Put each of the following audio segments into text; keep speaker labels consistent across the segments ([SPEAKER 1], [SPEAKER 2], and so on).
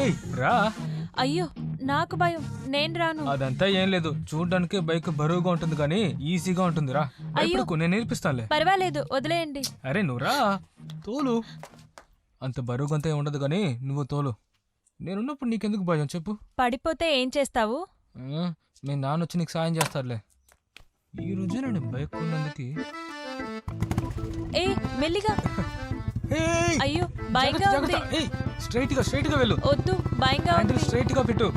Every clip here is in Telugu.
[SPEAKER 1] రా.
[SPEAKER 2] అయ్యో నాకు భయం, నేను రాను.
[SPEAKER 1] అదంతా ఏం లేదు, చూడడానికి బైక్ బరువుగా ఉంటుంది కానీ ఈజీగా ఉంటుంది. రా భయపడకు, నేను నేర్పిస్తానులే.
[SPEAKER 2] పర్వాలేదు, వదిలేయండి.
[SPEAKER 1] అరే నువ్వు రా, తోలు. అంత బరువుగంతా ఏం ఉండదు కానీ నువ్వు తోలు. నేనున్నప్పుడు నీకెందుకు భయం చెప్పు.
[SPEAKER 2] పడిపోతే ఏం చేస్తావు?
[SPEAKER 1] మీ నాన్న వచ్చి నీకు సాయం చేస్తారులే. ఈ రోజు నేను బైక్ కొన్నందుకు.
[SPEAKER 2] ఏ మెల్లిగా. అయ్యో భయంగా ఉంది.
[SPEAKER 1] స్ట్రైట్ గా వెళ్ళు.
[SPEAKER 2] వద్దు, భయంగా ఉంది.
[SPEAKER 1] స్ట్రైట్ గా పెట్టు.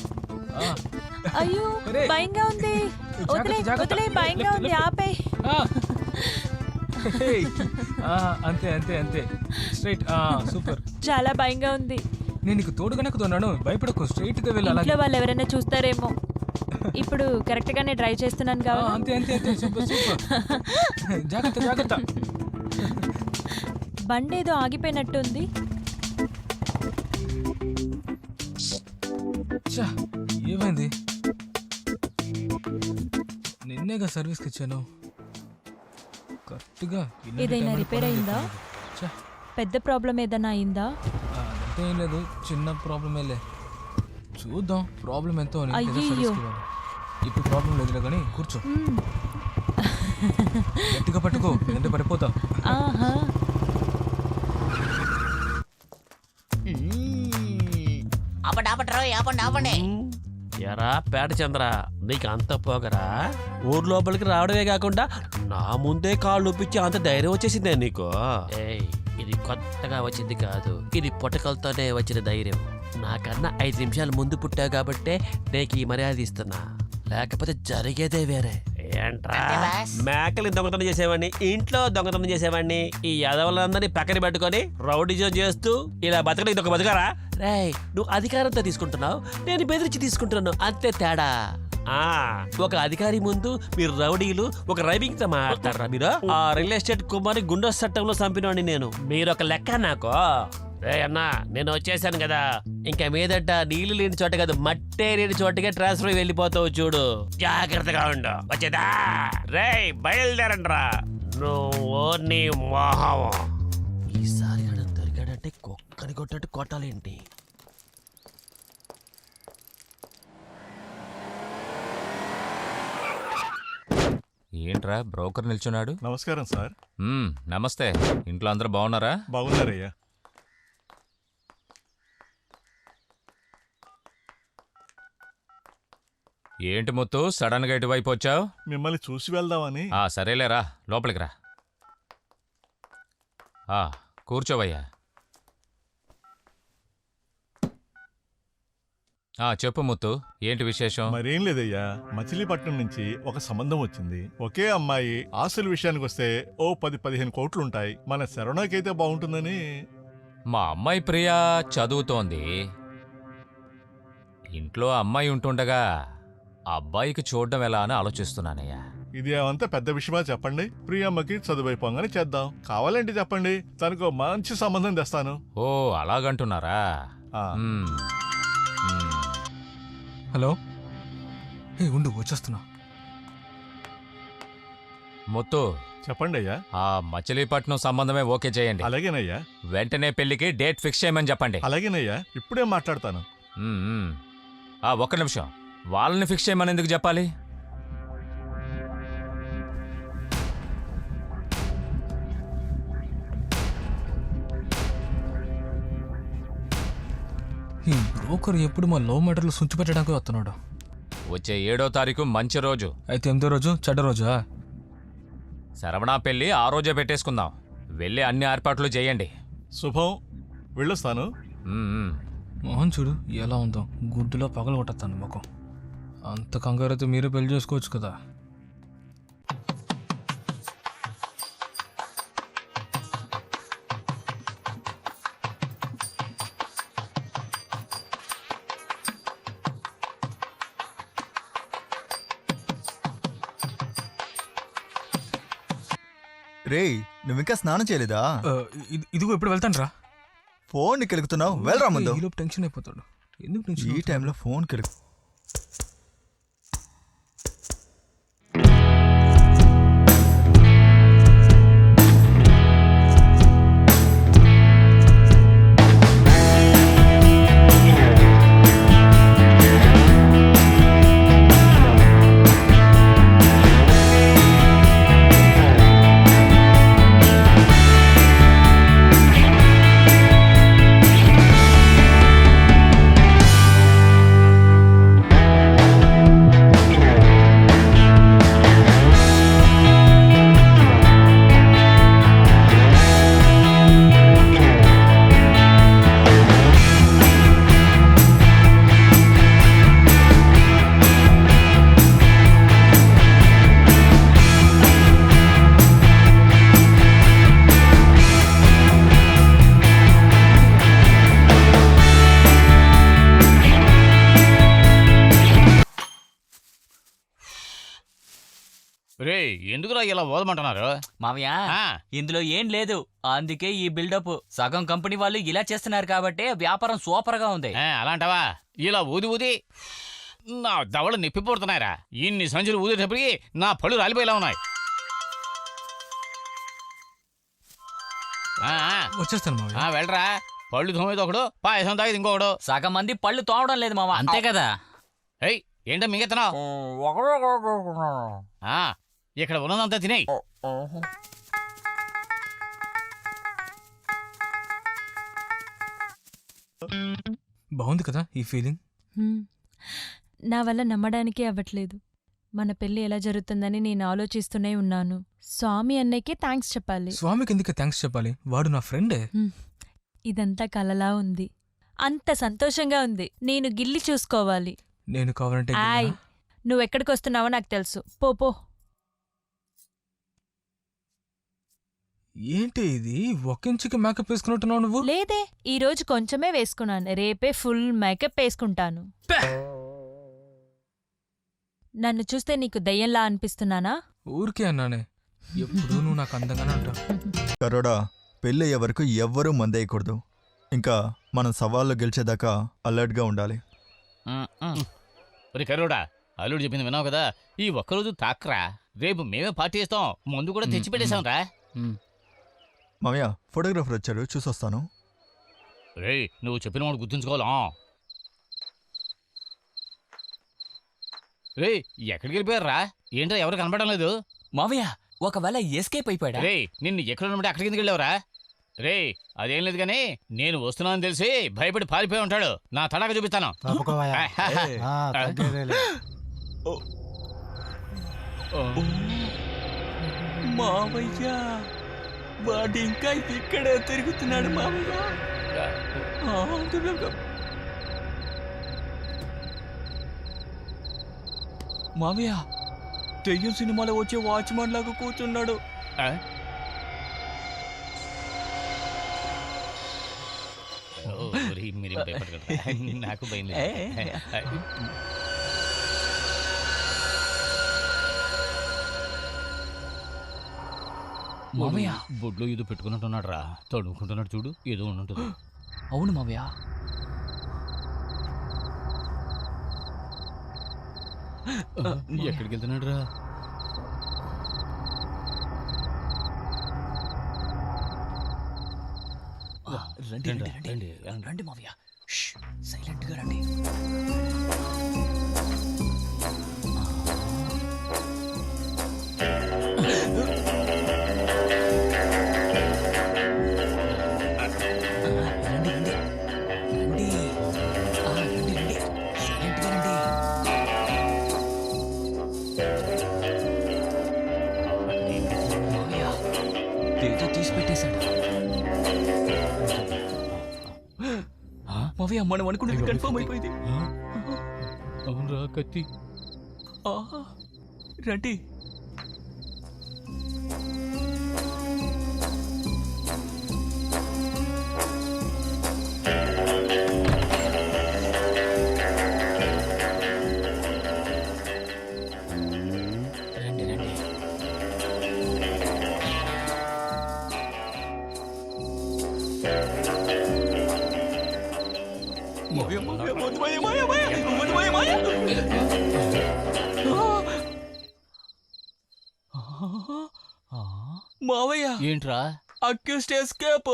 [SPEAKER 2] అయ్యో భయంగా ఉంది. వదిలే, భయంగా ఉంది, ఆపే.
[SPEAKER 1] అంతే అంతే అంతే, స్ట్రైట్. సూపర్.
[SPEAKER 2] చాలా భయంగా ఉంది.
[SPEAKER 1] నేను నీకు తోడుగానే కుదన్నాను, భయపడకు, స్ట్రైట్ గా వెళ్ళాలి.
[SPEAKER 2] ఇంట్లో వాళ్ళు ఎవరైనా చూస్తారేమో. ఇప్పుడు కరెక్ట్ గానే డ్రైవ్ చేస్తున్నాను కావాలి.
[SPEAKER 1] అంతే అంతే అంతే, సూపర్ సూపర్. జాగ్రత్త జాగ్రత్త.
[SPEAKER 2] బండి ఏదో ఆగిపోయినట్టుంది.
[SPEAKER 1] ఏమైంది? నిన్నేగా సర్వీస్కి ఇచ్చాను. కరెక్ట్గా
[SPEAKER 2] ఏదైనా రిపేర్ అయిందా? పెద్ద ప్రాబ్లం ఏదైనా అయిందా?
[SPEAKER 1] అదంతా ఏం లేదు, చిన్న ప్రాబ్లమేలే. చూద్దాం ప్రాబ్లం ఎంతో. ఇప్పుడు ప్రాబ్లం లేదులే కానీ కూర్చో. గట్టిగా పట్టుకో, లేదంటే పడిపోతా.
[SPEAKER 3] ఎరా పేట చంద్ర, నీకు అంత పోగరా? ఊరు లోపలికి రావడమే కాకుండా నా ముందే కాళ్ళు ఒప్పించి అంత ధైర్యం వచ్చేసిందే నీకు? ఇది కొత్తగా వచ్చింది కాదు, ఇది పుట్టకలతోనే వచ్చిన ధైర్యం. నాకన్నా 5 నిమిషాలు ముందు పుట్టావు కాబట్టే నీకు ఈ మర్యాద ఇస్తున్నా, లేకపోతే జరిగేదే వేరే. ఏంట్రా మేకలు దొంగతనం చేసేవాడిని, ఇంట్లో దొంగతనం చేసేవాడిని, ఈ యదవులందరినీ పక్కన పెట్టుకొని రౌడీజం చేస్తూ ఇలా బతకడం ఇదొక బతకరా? రేయ్, నువ్వు అధికారంతో తీసుకుంటున్నావు, నేను బెదిరించి తీసుకుంటున్నాను, అంతే తేడా. ఒక అధికారి ముందు మీరు రౌడీలు ఒక రైవింగ్ తో మాట్లాడతారా? మీరు ఆ రియల్ ఎస్టేట్ కుమారి గుండె చట్టంలో చంపినవాడిని నేను, మీరు ఒక లెక్క నాకు. రే అన్నా, నేను వచ్చేసాను కదా, ఇంకా మీదట నీళ్లు లేని చోట కాదు, మట్టే లేని చోటగా ట్రాన్స్ఫర్ వెళ్ళిపోతావు చూడు, జాగ్రత్తగా ఉండు. వచ్చేదా? రే బయలుదేరండి రా. నువ్వు నీ మోహం. ఈసారి దొరికాడంటే కుక్కని కొట్టట్టు కొట్టాలేంటి?
[SPEAKER 4] ఏంట్రా బ్రోకర్ నిల్చున్నాడు?
[SPEAKER 5] నమస్కారం సార్.
[SPEAKER 4] నమస్తే. ఇంట్లో అందరూ బాగున్నారా?
[SPEAKER 5] బాగున్నారయ్యా.
[SPEAKER 4] ఏంటి ముత్తు సడన్ గా ఇటువైపు వచ్చావు?
[SPEAKER 5] మిమ్మల్ని చూసి వెళ్దామని.
[SPEAKER 4] సరేలేరా, లోపలికి రా. కూర్చోవయ్యా. చెప్పు ముత్తు, ఏంటి విశేషం?
[SPEAKER 5] మరేం లేదయ్యా, మచిలీపట్నం నుంచి ఒక సంబంధం వచ్చింది. ఒకే అమ్మాయి. ఆస్తుల విషయానికి వస్తే ఓ 10-15 కోట్లుంటాయి. మన శరణకైతే బాగుంటుందని.
[SPEAKER 4] మా అమ్మాయి ప్రియా చదువుతోంది. ఇంట్లో అమ్మాయి ఉంటుండగా అబ్బాయికి చూడడం ఎలా అని ఆలోచిస్తున్నానయ్యా.
[SPEAKER 5] ఇది ఏమంతా పెద్ద విషయమా చెప్పండి? ప్రియమ్మకి చదువైపోగానే చేద్దాం. కావాలంటే చెప్పండి, తనకు మంచి సంబంధం తెస్తాను.
[SPEAKER 4] ఓ అలాగంటున్నారా?
[SPEAKER 1] హలో, ఉండు వచ్చేస్తున్నా.
[SPEAKER 4] ముత్తు
[SPEAKER 5] చెప్పండి అయ్యా.
[SPEAKER 4] ఆ మచిలీపట్నం సంబంధమే ఓకే చేయండి.
[SPEAKER 5] అలాగేనయ్యా.
[SPEAKER 4] వెంటనే పెళ్లికి డేట్ ఫిక్స్ చేయమని చెప్పండి.
[SPEAKER 5] అలాగేనయ్యా, ఇప్పుడే మాట్లాడతాను.
[SPEAKER 4] ఒక్క నిమిషం, వాళ్ళని ఫిక్స్ చేయమని ఎందుకు చెప్పాలి?
[SPEAKER 1] ఈ బ్రోకర్ ఎప్పుడు మా లవ్ మ్యాటర్లు సుంచి పెట్టడానికి వస్తున్నాడు.
[SPEAKER 4] వచ్చే 7వ తారీఖు మంచి రోజు.
[SPEAKER 1] అయితే 8వ రోజు చెడ్డ రోజా?
[SPEAKER 4] శరవణ పెళ్లి ఆ రోజే పెట్టేసుకుందాం. వెళ్ళి అన్ని ఏర్పాట్లు చేయండి.
[SPEAKER 5] శుభం, వెళ్ళొస్తాను.
[SPEAKER 1] మోహన్ చూడు ఎలా ఉందో, గుడ్డులో పగలు కొట్టేస్తాను ముఖం. అంత కంగారైతే మీరే పెళ్లి చేసుకోవచ్చు కదా.
[SPEAKER 6] రేయ్, నువ్వింకా స్నానం చేయలేదా?
[SPEAKER 1] ఇదిగో ఇప్పుడు వెళ్తాను రా.
[SPEAKER 6] ఫోన్ కెలుగుతున్నావు, వెళ్ళరా ముందు.
[SPEAKER 1] టెన్షన్ అయిపోతాడు. ఎందుకు
[SPEAKER 6] ఈ టైంలో ఫోన్ కెలుగు.
[SPEAKER 7] ఎందుకురా ఇలా ఓదమంటున్నారు?
[SPEAKER 8] మావయ్య
[SPEAKER 7] ఆ,
[SPEAKER 8] ఇందులో ఏం లేదు, అందుకే ఈ బిల్డప్. సగం కంపెనీ వాళ్ళు ఇలా చేస్తున్నారు కాబట్టి వ్యాపారం సూపర్ గా ఉంది.
[SPEAKER 7] అలాంటావా? ఇలా ఊది ఊది నా దవడ నొప్పి పుడుతున్నాయిరా. ఇన్ని సంచులు ఊదేటప్పటికి నా పళ్ళు రాలిపోయేలా ఉన్నాయి.
[SPEAKER 1] వచ్చేస్తాను మావయ్య.
[SPEAKER 7] వెళ్ళరా. పళ్ళు తోమేది ఒకడు, పాయసం తాగేది ఇంకొకడు.
[SPEAKER 8] సగం మంది పళ్ళు తోమడం లేదు మావా.
[SPEAKER 7] అంతే కదా. ఏంటో మింగెత్తనావు? ఇక్కడ ఉన్నదంతా తినేయి.
[SPEAKER 1] బాగుంది కదా ఈ ఫీలింగ్.
[SPEAKER 2] నా వల్ల నమ్మడానికే అవ్వట్లేదు. మన పెళ్లి ఎలా జరుగుతుందని నేను ఆలోచిస్తూనే ఉన్నాను. స్వామి అన్నయ్యకి థ్యాంక్స్ చెప్పాలి.
[SPEAKER 1] స్వామికి ఎందుకు థ్యాంక్స్ చెప్పాలి? వాడు నా ఫ్రెండే.
[SPEAKER 2] ఇదంతా కలలా ఉంది. అంత సంతోషంగా ఉంది. నేను గిల్లి చూసుకోవాలి.
[SPEAKER 1] నేను కావాలంటే
[SPEAKER 2] ఆయ్, నువ్వెక్కడికొస్తున్నావో నాకు తెలుసు. పో పో.
[SPEAKER 1] ఏంటి ఇది? ఒక ఇంచుకి మేకప్ వేసుకున్నట్టున్నావు నువ్వు.
[SPEAKER 2] లేదే, ఈ రోజు కొంచెమే వేసుకున్నాను. రేపే ఫుల్ మేకప్ వేసుకుంటాను. నన్ను చూస్తే నీకు దయ్యంలా అనిపిస్తున్నానా?
[SPEAKER 1] ఊరికే అన్నానే. ఎప్పుడు నువ్వు నాకు అందంగానే ఉంటావు.
[SPEAKER 6] కరోడా, పెళ్ళి అయ్యే వరకు ఎవ్వరూ మందేయకూడదు. ఇంకా మనం సవాళ్ళు గెలిచేదాకా అలర్ట్గా ఉండాలి.
[SPEAKER 7] కరోడా, అల్లుడు చెప్పింది విన్నావు కదా. ఈ ఒక్కరోజు తాక్రా, రేపు మేమే పార్టీ చేస్తాం. ముందు కూడా తెచ్చి పెట్టేశాం రా.
[SPEAKER 6] మామయ్య, ఫోటోగ్రాఫర్ వచ్చారు, చూసొస్తాను.
[SPEAKER 7] రే, నువ్వు చెప్పిన వాడు గుర్తుంచుకోవాలా? రే, ఎక్కడికి వెళ్ళిపోయారా? ఏంటో ఎవరు కనపడడం లేదు.
[SPEAKER 8] మావయ్య, ఒకవేళ ఎస్కేప్ అయిపోయాడా?
[SPEAKER 7] రే, నిన్ను ఎక్కడ ఉన్నప్పుడు అక్కడికి ఎందుకు వెళ్ళావురా? రే, అదేం లేదు కానీ నేను వస్తున్నానని తెలిసి భయపడి పారిపోయి ఉంటాడు. నా తడాక చూపిస్తాను.
[SPEAKER 8] మావయ్య, వాడు ఇంకా ఇక్కడే తిరుగుతున్నాడు మావయ్య. మావయ్య, దెయ్యం సినిమాలో వచ్చే వాచ్మన్ లాగా కూర్చున్నాడు.
[SPEAKER 7] నాకు భయం.
[SPEAKER 8] మావయ్య,
[SPEAKER 7] బొడ్లో ఏదో పెట్టుకున్నట్టున్నాడు రా. తడుముకుంటున్నాడు చూడు, ఏదో ఉంటుంది.
[SPEAKER 8] అవును మావయ్య.
[SPEAKER 7] ఎక్కడికి వెళ్తున్నాడు రా?
[SPEAKER 8] రండి రండి రండి రండి మావయ్య, సైలెంట్ గా రండి. మావయ్య, మనం అనుకున్నది కన్ఫర్మ్ అయిపోయింది.
[SPEAKER 7] అవునరా కత్తి.
[SPEAKER 8] రండి. మావయ్య,
[SPEAKER 7] ఏంట్రా?
[SPEAKER 8] Accused escape.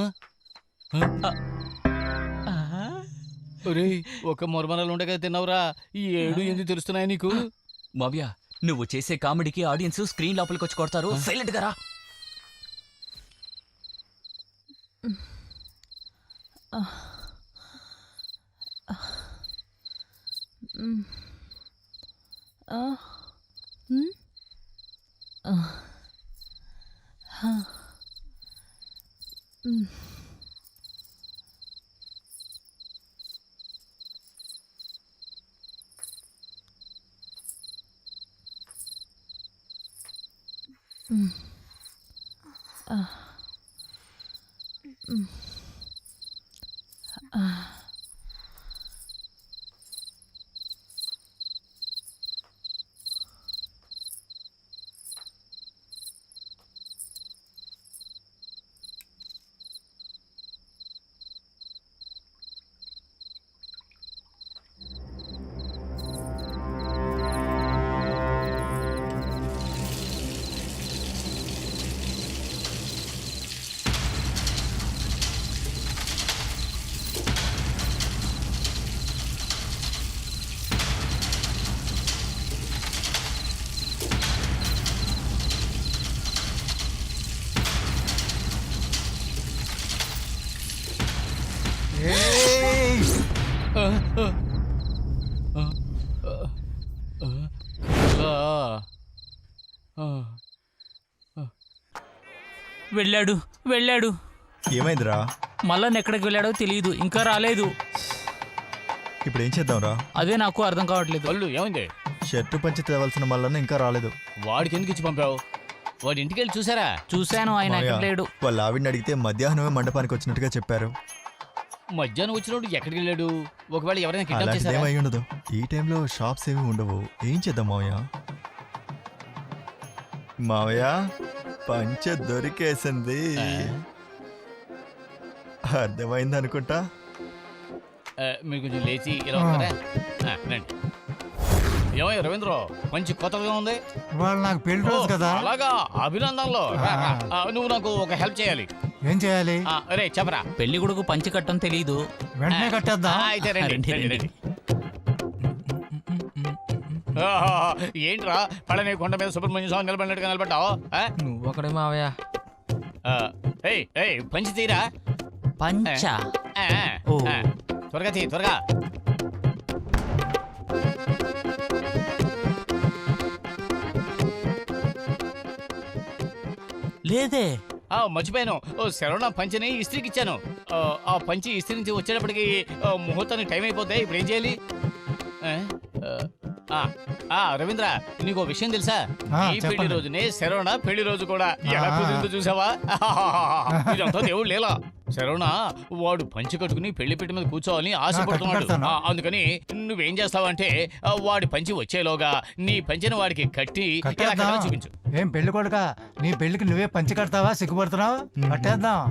[SPEAKER 7] ఒక మొరమరాలు ఉండగా తిన్నావురా. ఈ 7 తెలుస్తున్నాయి నీకు?
[SPEAKER 8] మావయ్య, నువ్వు చేసే కామెడీకి ఆడియన్స్ స్క్రీన్ లోపలికి వచ్చి కొడతారు. సైలెంట్ గా రా. వెళ్ళాడు వెళ్ళాడు
[SPEAKER 6] ఏమైందిరా?
[SPEAKER 8] మళ్ళా ఎక్కడికి వెళ్ళాడో తెలియదు, ఇంకా రాలేదు.
[SPEAKER 6] ఇప్పుడు ఏం చేద్దాంరా?
[SPEAKER 8] అదే నాకు అర్థం కావట్లేదు.
[SPEAKER 7] అల్లు ఏమైంది?
[SPEAKER 6] షర్టు పంచి తేవాల్సిన మళ్ళీ ఇంకా రాలేదు.
[SPEAKER 7] వాడికి ఎందుకు ఇచ్చి పంపావు? వాడి ఇంటికి వెళ్ళి చూసారా?
[SPEAKER 8] చూశాను, ఆయన
[SPEAKER 6] మావయ్య,
[SPEAKER 8] ఎక్కడ లేడు.
[SPEAKER 6] వాళ్ళ ఆవిడని అడిగితే మధ్యాహ్నమే మండపానికి వచ్చినట్టుగా చెప్పారు.
[SPEAKER 7] మధ్యాహ్నం వచ్చినప్పుడు ఎక్కడికి వెళ్ళాడు? ఒకవేళ ఎవరైనా కిడ్నాప్
[SPEAKER 6] అలాంటిది
[SPEAKER 7] చేశారా?
[SPEAKER 6] ఏమై ఉండదు. ఈ టైంలో షాప్స్ ఏమి ఉండవు. ఏం చేద్దాం మావయ్య? మావయ్య, పంచ దొరికేసింది. అర్థమైంది అనుకుంటా.
[SPEAKER 7] మీరు కొంచెం లేచి ఇలా ఉంటారా? రండి. ఏమయ్య రవీంద్ర, మంచి కొత్తగా ఉంది.
[SPEAKER 9] వాళ్ళు నాకు పెళ్లి రోజు కదా.
[SPEAKER 7] అలాగా, అభినందనలో. రా, రా. నువ్వు నాకు ఒక హెల్ప్ చేయాలి.
[SPEAKER 9] ఏం చేయాలి?
[SPEAKER 7] అరే చెప్పరా.
[SPEAKER 8] పెళ్లి కొడుకు పంచి కట్టం తెలియదు.
[SPEAKER 9] వెంటనే కట్టేద్దాం.
[SPEAKER 7] అయితే రండి,
[SPEAKER 8] రండి,
[SPEAKER 7] రండి,
[SPEAKER 8] రండి.
[SPEAKER 7] రండి. ఏంట్రా పళని కొండ మీద సుబ్రహ్మణ్య స్వామి నిలబడినట్టుగా నిలబడ్డావు?
[SPEAKER 1] నువ్వు ఒకడే మావయ్య.
[SPEAKER 7] పంచి తీరా.
[SPEAKER 8] పంచ
[SPEAKER 7] ఆ,
[SPEAKER 8] ఓ.
[SPEAKER 7] ఆ, త్వరగా తీ, త్వరగా.
[SPEAKER 8] లేదే.
[SPEAKER 7] మర్చిపోయాను. శరవణ పంచిని ఇస్త్రీకి ఇచ్చాను. ఆ పంచి ఇస్త్రీ నుంచి వచ్చేటప్పటికి ముహూర్తానికి టైం అయిపోతే ఇప్పుడు ఏం చేయాలి? రవీంద్ర, నీకు విషయం తెలుసా? ఈ పెళ్లి
[SPEAKER 9] చెప్పండి.
[SPEAKER 7] రోజునే శరవణ పెళ్లి రోజు కూడా. ఎలా కుదిరిందో చూసావా? ఇదంతా దేవుడు లేలా. శరవణ వాడు పంచి కట్టుకుని పెళ్లి పెట్టి మీద కూర్చోవాలని ఆశపడుతున్నాడు.
[SPEAKER 9] కట్టుకుంటాను.
[SPEAKER 7] అందుకని నువ్వేం చేస్తావంటే వాడి పంచి వచ్చేలోగా నీ పంచిని వాడికి కట్టి ఇలా
[SPEAKER 9] కట్టేద్దాం.
[SPEAKER 7] కట్టాలో చూపించు.
[SPEAKER 9] ఏం పెళ్లి కొడుక, నీ పెళ్లికి నువ్వే పంచి కడతావా? సిగ్గుపడుతున్నావు? కట్టేద్దాం.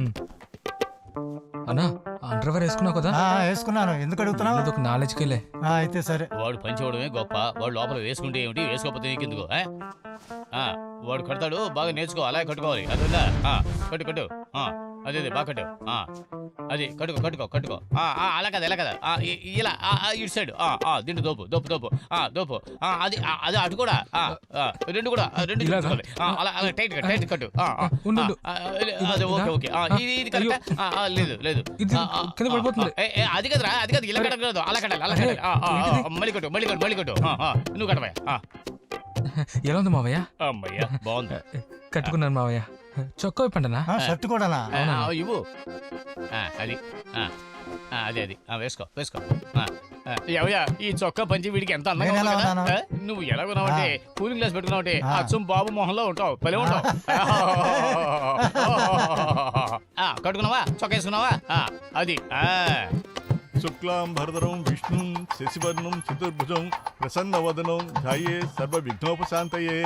[SPEAKER 1] అన్నా, అండర్వేర్ వేసుకున్నావు కదా?
[SPEAKER 9] వేసుకున్నాను. ఎందుకు అడుగుతున్నావు?
[SPEAKER 1] అదొక నాలెడ్జ్కి వెళ్ళే.
[SPEAKER 9] అయితే సరే.
[SPEAKER 7] వాడు పంచవడమే గొప్ప. వాడు లోపల వేసుకుంటే ఏమిటి, వేసుకోకపోతే నీకెందుకు? వాడు కడతాడు, బాగా నేర్చుకో. అలాగే కట్టుకోవాలి. అది ఉందా? కట్టు కట్టు. అదే బాగా కట్టు. అది కట్టుకో కట్టుకో కట్టుకో. అలా కదా, ఎలా కదా, ఇలా ఇటు సైడ్. దీంట్లో దోపు దోపు దోపు దోపు. అది అది అటు కూడా. రెండు కూడా, రెండు చూసుకోవాలి. అలా అలా టైట్ టైట్ కట్టు.
[SPEAKER 1] ఉండు.
[SPEAKER 7] అదే ఓకే ఓకే. ఇది కరెక్ట్. లేదు లేదు,
[SPEAKER 1] ఇది కింద పడిపోతుంది.
[SPEAKER 7] అది కదరా, అది కదా, ఇలా కట్టకూడదు. అలా కట్టాలి, అలా కట్టాలి. మళ్ళీ కొట్టు, మళ్ళీ కొట్టు, మళ్ళీ కొట్టు. నువ్వు కట్టవా?
[SPEAKER 1] ఎలా ఉంది మావయ్య?
[SPEAKER 7] అమ్మయ్యా, బాగుంది.
[SPEAKER 1] కట్టుకున్నాను మావయ్య. చొక్కా ఇప్పండినా?
[SPEAKER 9] షర్ట్ కూడానా?
[SPEAKER 7] ఇవ్వు. అది అదే అది వేసుకో వేసుకో. ఎవయ్యా, ఈ చొక్కా పంచి వీడికి ఎంత అందంగా
[SPEAKER 9] నేను ఎలా
[SPEAKER 7] ఉంది కదా?
[SPEAKER 9] ఉన్నాను?
[SPEAKER 7] నువ్వు ఎలా ఉన్నావంటే కూలింగ్ గ్లాస్ పెట్టుకున్నావంటే అచ్చం బాబు మొహంలో ఉంటావు. భలే ఉంటావు. కట్టుకున్నావా? చొక్కా వేసుకున్నావా? అది
[SPEAKER 5] శుక్లాం భరధరం విష్ణుం శశివర్ణం చతుర్భుజం ప్రసన్నవదనం ధ్యాయే సర్వ విఘ్నోపశాంతయే.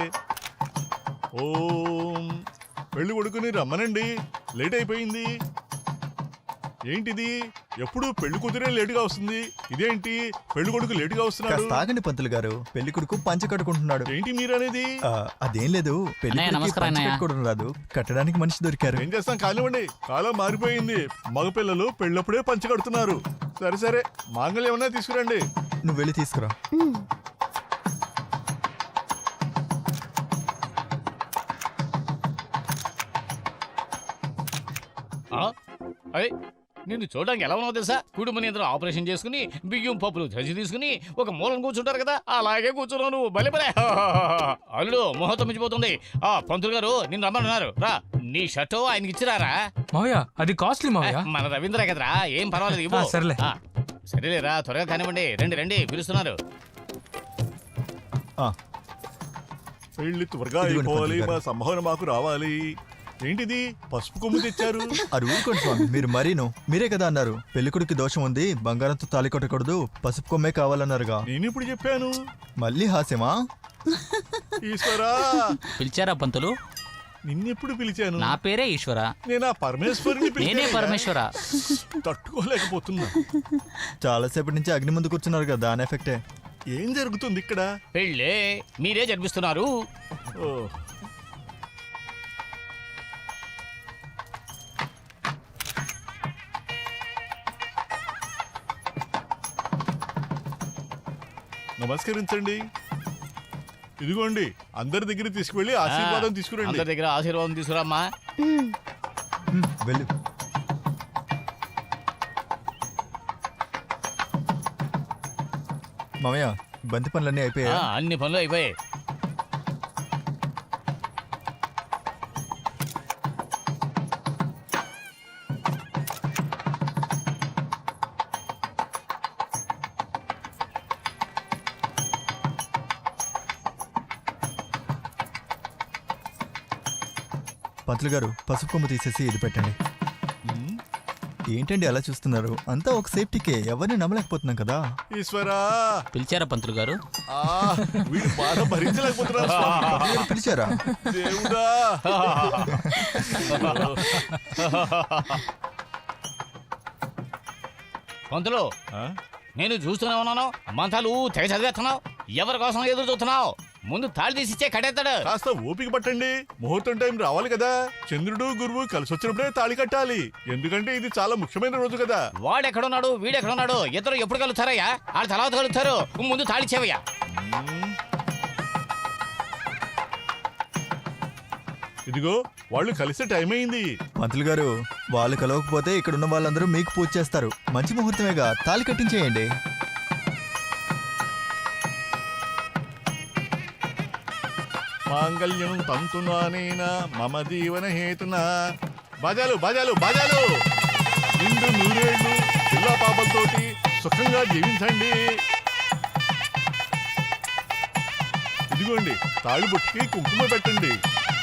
[SPEAKER 5] ఓం. పెళ్లి కొడుకుని రమ్మనండి, లేట్ అయిపోయింది. ఏంటిది? ఎప్పుడు పెళ్లి కూతురే లేటుగా వస్తుంది. ఇదేంటి పెళ్లి కొడుకు లేటుగా వస్తున్నాడు?
[SPEAKER 6] కాస్త ఆగండి పంతులు గారు. పెళ్లి కొడుకు పంచ కట్టుకుంటున్నాడు.
[SPEAKER 5] ఏంటి మీరనేది?
[SPEAKER 6] అదేం లేదు. పెళ్లి
[SPEAKER 8] అన్నయ్య,
[SPEAKER 6] కొడుకుకి
[SPEAKER 8] నమస్కారం
[SPEAKER 6] పంచ
[SPEAKER 8] అన్నయ్య.
[SPEAKER 6] కట్టుకోవడం రాదు. కట్టడానికి మనిషి దొరికారు.
[SPEAKER 5] ఏం చేస్తాం, కానివ్వండి. కాలం మారిపోయింది. మగపిల్లలు పెళ్ళప్పుడే పంచి కడుతున్నారు. సరే సరే, మాంగళ్యం ఏమన్నా తీసుకురండి.
[SPEAKER 6] నువ్వు వెళ్ళి తీసుకురా.
[SPEAKER 7] అదే నిన్ను చూడడానికి ఎలా ఉన్నావు తెలుసా? కుటుంబని అందరూ ఆపరేషన్ చేసుకుని బియ్యం పప్పులు ధసి తీసుకుని ఒక మూలం కూర్చుంటారు కదా, అలాగే కూర్చున్నావు నువ్వు. భలే భలే. అల్లుడు, ముహూర్తం మించిపోతుంది. పంతులు గారు నిన్ను రమ్మన్నారు. రా, నీ షర్టు ఆయనకి ఇచ్చిరారా?
[SPEAKER 1] మావయ్య, అది కాస్ట్లీ మావయ్య.
[SPEAKER 7] మన రవీంద్ర కదరా, ఏం పర్వాలేదు, ఇవ్వు.
[SPEAKER 1] సరేలే.
[SPEAKER 7] సరేలేరా, త్వరగా కానివ్వండి. రండి రండి, పిలుస్తున్నారు.
[SPEAKER 5] పెళ్లి త్వరగా
[SPEAKER 6] ఇదిగోండి
[SPEAKER 5] అయిపోవాలి.
[SPEAKER 6] పంతులు
[SPEAKER 5] మా
[SPEAKER 6] గారు.
[SPEAKER 5] సంభావన మాకు రావాలి. ఏంటిది పసుపు కొమ్ము తెచ్చారు?
[SPEAKER 6] అది ఊరుకోండి స్వామి, మీరు మరీను. మీరే కదా అన్నారు పెళ్లి కొడుకు దోషం ఉంది, బంగారంతో తాళి కొట్టకూడదు, పసుపు కొమ్మే కావాలన్నారుగా.
[SPEAKER 5] నేను ఇప్పుడు చెప్పాను.
[SPEAKER 6] మళ్ళీ హాస్యమా?
[SPEAKER 5] ఈశ్వరా,
[SPEAKER 8] పిలిచారా పంతులు?
[SPEAKER 5] నిన్నెప్పుడు పిలిచాను?
[SPEAKER 8] నా పేరే ఈశ్వర.
[SPEAKER 5] నేను ఆ పరమేశ్వరుని
[SPEAKER 8] నేనే
[SPEAKER 5] పిలిచాను.
[SPEAKER 8] పరమేశ్వర.
[SPEAKER 5] తట్టుకోలేకపోతున్నా.
[SPEAKER 6] చాలాసేపటి నుంచి అగ్ని ముందు కూర్చున్నారు కదా, దాని ఎఫెక్టే.
[SPEAKER 5] ఏం జరుగుతుంది ఇక్కడ?
[SPEAKER 7] పెళ్ళే మీరే జరిపిస్తున్నారు.
[SPEAKER 5] ఓ, నమస్కరించండి. ఇదిగోండి, అందరి దగ్గర తీసుకువెళ్ళి ఆశీర్వాదం తీసుకురండి.
[SPEAKER 7] అందరి దగ్గర ఆశీర్వాదం తీసుకురామ్మా.
[SPEAKER 6] వెళ్ళు. మామయ్య, బంతి పనులన్నీ అయిపోయా?
[SPEAKER 7] అన్ని పనులు అయిపోయాయి.
[SPEAKER 6] పంతులు గారు పసుపు కొమ్ము తీసేసి ఇది పెట్టండి. ఏంటండి అలా చూస్తున్నారు? అంతా ఒక సేఫ్టీకే, ఎవరిని నమ్మలేకపోతున్నాం కదా.
[SPEAKER 5] ఈశ్వరా
[SPEAKER 3] పిలిచారా పంతులు గారు?
[SPEAKER 5] ఆ, వీడు బాధ భరించలేకపోతున్నారు స్వామి.
[SPEAKER 6] పంతులు గారు పిలిచారా?
[SPEAKER 5] దేవుడా
[SPEAKER 7] పంతులు
[SPEAKER 5] ఆ?
[SPEAKER 7] నేను చూస్తూనే ఉన్నాను, మంతాలు తెగ చదివేస్తున్నావు. ఎవరి కోసం ఎదురు చూస్తున్నావు? ముందు తాళి తీసిచ్చే కట్టేస్తాడు.
[SPEAKER 5] కాస్త ఓపిక పట్టండి, ముహూర్తం టైం రావాలి కదా. చంద్రుడు గురువు కలిసి వచ్చినప్పుడే తాళి కట్టాలి, ఎందుకంటే ఇది చాలా ముఖ్యమైన రోజు కదా.
[SPEAKER 7] వాడెక్కడున్నాడు వీడెక్కడున్నాడు, ఇద్దరు ఎప్పుడు కలుస్తారయ్యా? వాళ్ళు తర్వాత కలుస్తారు. ముందు తాళి ఇచ్చేవయ్యా.
[SPEAKER 5] ఇదిగో వాళ్ళు కలిసే టైం అయింది.
[SPEAKER 6] పంతులు గారు వాళ్ళు కలవకపోతే ఇక్కడున్న వాళ్ళందరూ మీకు పూజ చేస్తారు. మంచి ముహూర్తమేగా, తాళి కట్టించేయండి.
[SPEAKER 5] మాంగళ్యం తంతునానేన మమ జీవన హేతున. బాజాలు బాజాలు బాజాలు, నిండు నూరేళ్లు పిల్ల పాపలతోటి సుఖంగా జీవించండి. ఇదిగోండి తాళి బొట్టుకి కుంకుమ పెట్టండి.